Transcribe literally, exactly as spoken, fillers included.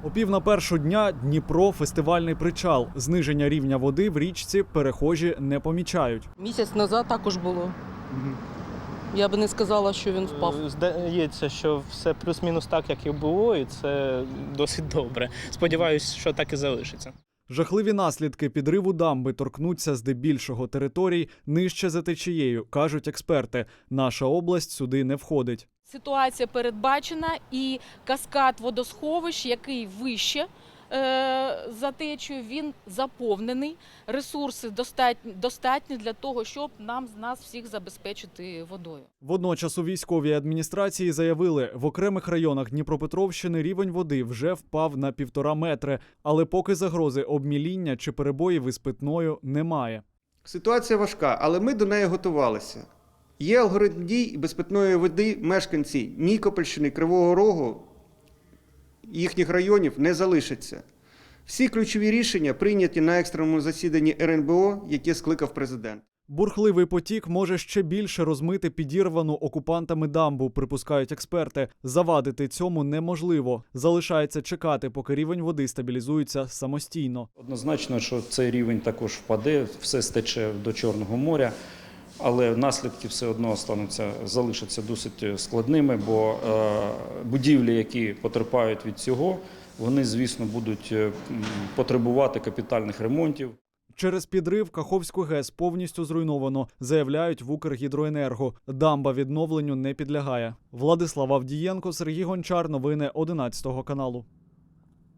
О пів на першу дня Дніпро – фестивальний причал. Зниження рівня води в річці перехожі не помічають. Місяць назад також було. Угу. Я би не сказала, що він впав. Здається, що все плюс-мінус так, як і було, і це досить добре. Сподіваюсь, що так і залишиться. Жахливі наслідки підриву дамби торкнуться здебільшого територій нижче за течією, кажуть експерти. Наша область сюди не входить. Ситуація передбачена і каскад водосховищ, який вище е, за течією, він заповнений. Ресурси достатні, достатні для того, щоб нам нас всіх забезпечити водою. Водночас у військовій адміністрації заявили, в окремих районах Дніпропетровщини рівень води вже впав на півтора метри, але поки загрози обміління чи перебоїв із питною немає. Ситуація важка, але ми до неї готувалися. Є алгоритм дій і без питної води мешканці Нікопольщини, Кривого Рогу, їхніх районів не залишаться. Всі ключові рішення прийняті на екстреному засіданні ер ен бе о, яке скликав президент. Бурхливий потік може ще більше розмити підірвану окупантами дамбу, припускають експерти. Завадити цьому неможливо. Залишається чекати, поки рівень води стабілізується самостійно. Однозначно, що цей рівень також впаде, все стече до Чорного моря. Але наслідки все одно остануться, залишаться досить складними, бо е, будівлі, які потерпають від цього, вони, звісно, будуть потребувати капітальних ремонтів. Через підрив Каховську ГЕС повністю зруйновано, заявляють в Укргідроенерго. Дамба відновленню не підлягає. Владислав Авдієнко, Сергій Гончар. Новини одинадцятого каналу.